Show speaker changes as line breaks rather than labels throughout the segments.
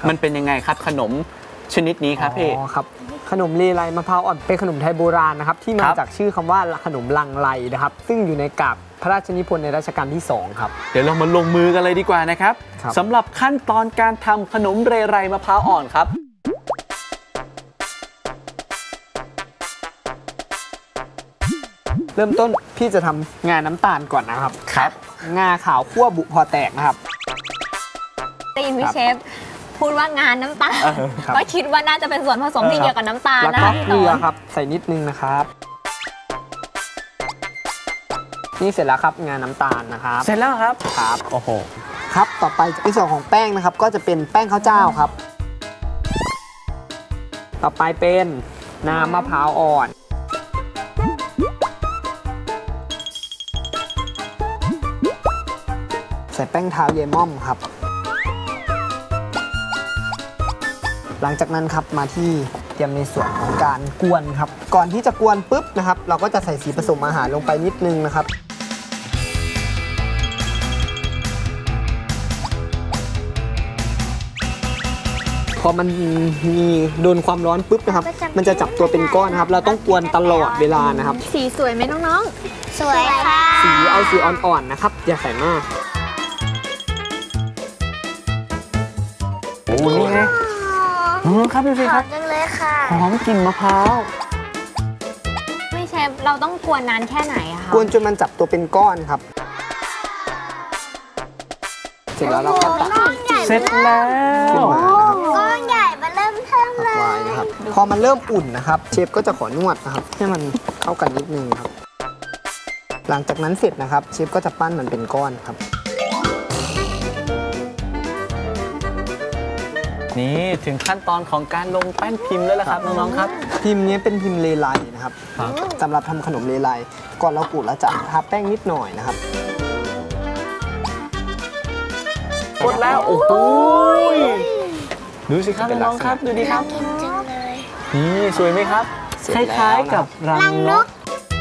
มันเป็นยังไงครับขนมชนิดนี้ครับพี่
ครับขนมเลไลมะพร้าวอ่อนเป็นขนมไทยโบราณนะครับที่มาจากชื่อคำว่าขนมลังไลนะครับซึ่งอยู่ในกาบพระราชนิพนธ์ในรัชกาลที่2ครับ
เดี๋ยวเรามาลงมือกันเลยดีกว่านะครับสำหรับขั้นตอนการทำขนมเรไรมะพร้าวอ่อนครับ
เริ่มต้นพี่จะทำงาน้ำตาลก่อนนะครับ
ครับ
งาขาวคั่วบุพอแตกนะครับ
ได้ยินพี่เชฟพูดว่างานน้ำตาลก็คิดว่าน่าจะเป็นส่วนผสมที่เกี่ยวกับน้ำตาลนะ
แล้วก็เกลือครับใส่นิดนึงนะครับนี่เสร็จแล้วครับงาน้ำตาลนะครับ
เสร็จแล้วครับ
ครับโอ้โหครับต่อไปในส่วนของแป้งนะครับก็จะเป็นแป้งข้าวเจ้าครับต่อไปเป็นน้ำมะพร้าวอ่อนใส่แป้งเท้าเยม่อมครับหลังจากนั้นครับมาที่เตรียมในส่วนของการกวนครับก่อนที่จะกวนปุ๊บนะครับเราก็จะใส่สีผสมอาหารลงไปนิดนึงนะครับพอมันมีโดนความร้อนปุ๊บนะครับมันจะจับตัวเป็นก้อนนะครับเราต้องกวนตลอดเวลานะครับ
สีสวยไหมน้องๆสวยค่ะ
สีเอาสีอ่อนๆนะครับอย่าใส่มาก
โอ้นี่ไงครับพี่ฟิครับ
จังเลยค่ะ
หอมกลิ่นมะพร้าว
ไม่เชฟเราต้องกวนนานแค่ไหนคะ
กวนจนมันจับตัวเป็นก้อนครับเสร็จแล้วเราก็ตัก
เสร็จแล้ว
ก้อนใหญ่มาเริ่มเทิมเลย
นะครับพอมันเริ่มอุ่นนะครับเชฟก็จะขอนวดนะครับให้มันเข้ากันนิดนึงครับหลังจากนั้นเสร็จนะครับเชฟก็จะปั้นมันเป็นก้อนครับ
นี่ถึงขั้นตอนของการลงแป้นพิมพ์แล้วล่ะครับน้องๆครับ
พิมพ์นี้เป็นพิมพ์เลไลนะครับสำหรับทำขนมเลไลก่อนเราขูดเราจะทาแป้งนิดหน่อยนะครับ
กดแล้วโอ้โหดูสิครับน้องๆครับดูดีครับนี่สวยไหมครับคล้ายๆกับรังนก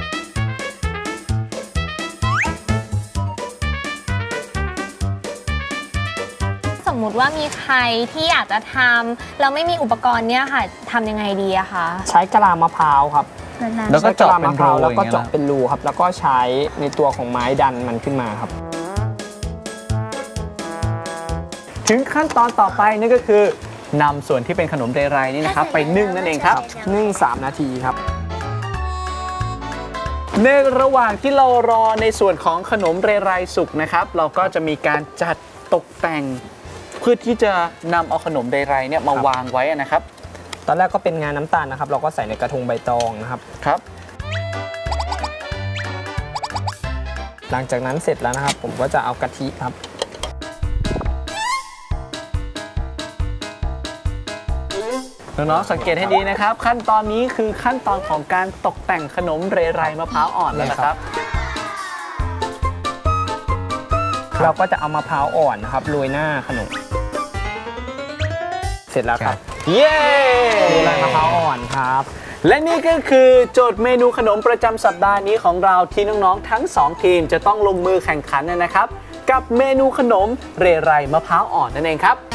สมมุติว่ามีใครที่อยากจะทำเราไม่มีอุปกรณ์เนี่ยค่ะทำยังไงดีอะคะ
ใช้กะลามะพร้าวครับ
แล้วก็เจาะเป็นรู
แล้วก็เจาะเป็นรูครับแล้วก็ใช้ในตัวของไม้ดันมันขึ้นมาครับ
ถึงขั้นตอนต่อไปนั่นก็คือนำส่วนที่เป็นขนมเรไรนี่นะครับไปนึ่งนั่นเองครับ
นึ่ง3 นาทีครับ
ในระหว่างที่เรารอในส่วนของขนมเรไรสุกนะครับเราก็จะมีการจัดตกแต่งเพื่อที่จะนำเอาขนมเรไรเนี่ยมาวางไว้นะครับ
ตอนแรกก็เป็นงาน้ำตาลนะครับเราก็ใส่ในกระทงใบตองนะครับ
ครับ
หลังจากนั้นเสร็จแล้วนะครับผมก็จะเอากะทิครับ
น้องๆสังเกตให้ดีนะครับขั้นตอนนี้คือขั้นตอนของการตกแต่งขนมเรไรมะพร้าวอ่อนแล้วนะครับ
เราก็จะเอามะพร้าวอ่อนนะครับโรยหน้าขนมเสร็จแล้วครับ
เย้
เรไรมะพร้าวอ่อนครับ
และนี่ก็คือโจทย์เมนูขนมประจำสัปดาห์นี้ของเราที่น้องๆทั้ง2ทีมจะต้องลงมือแข่งขันนะครับกับเมนูขนมเรไรมะพร้าวอ่อนนั่นเองครับ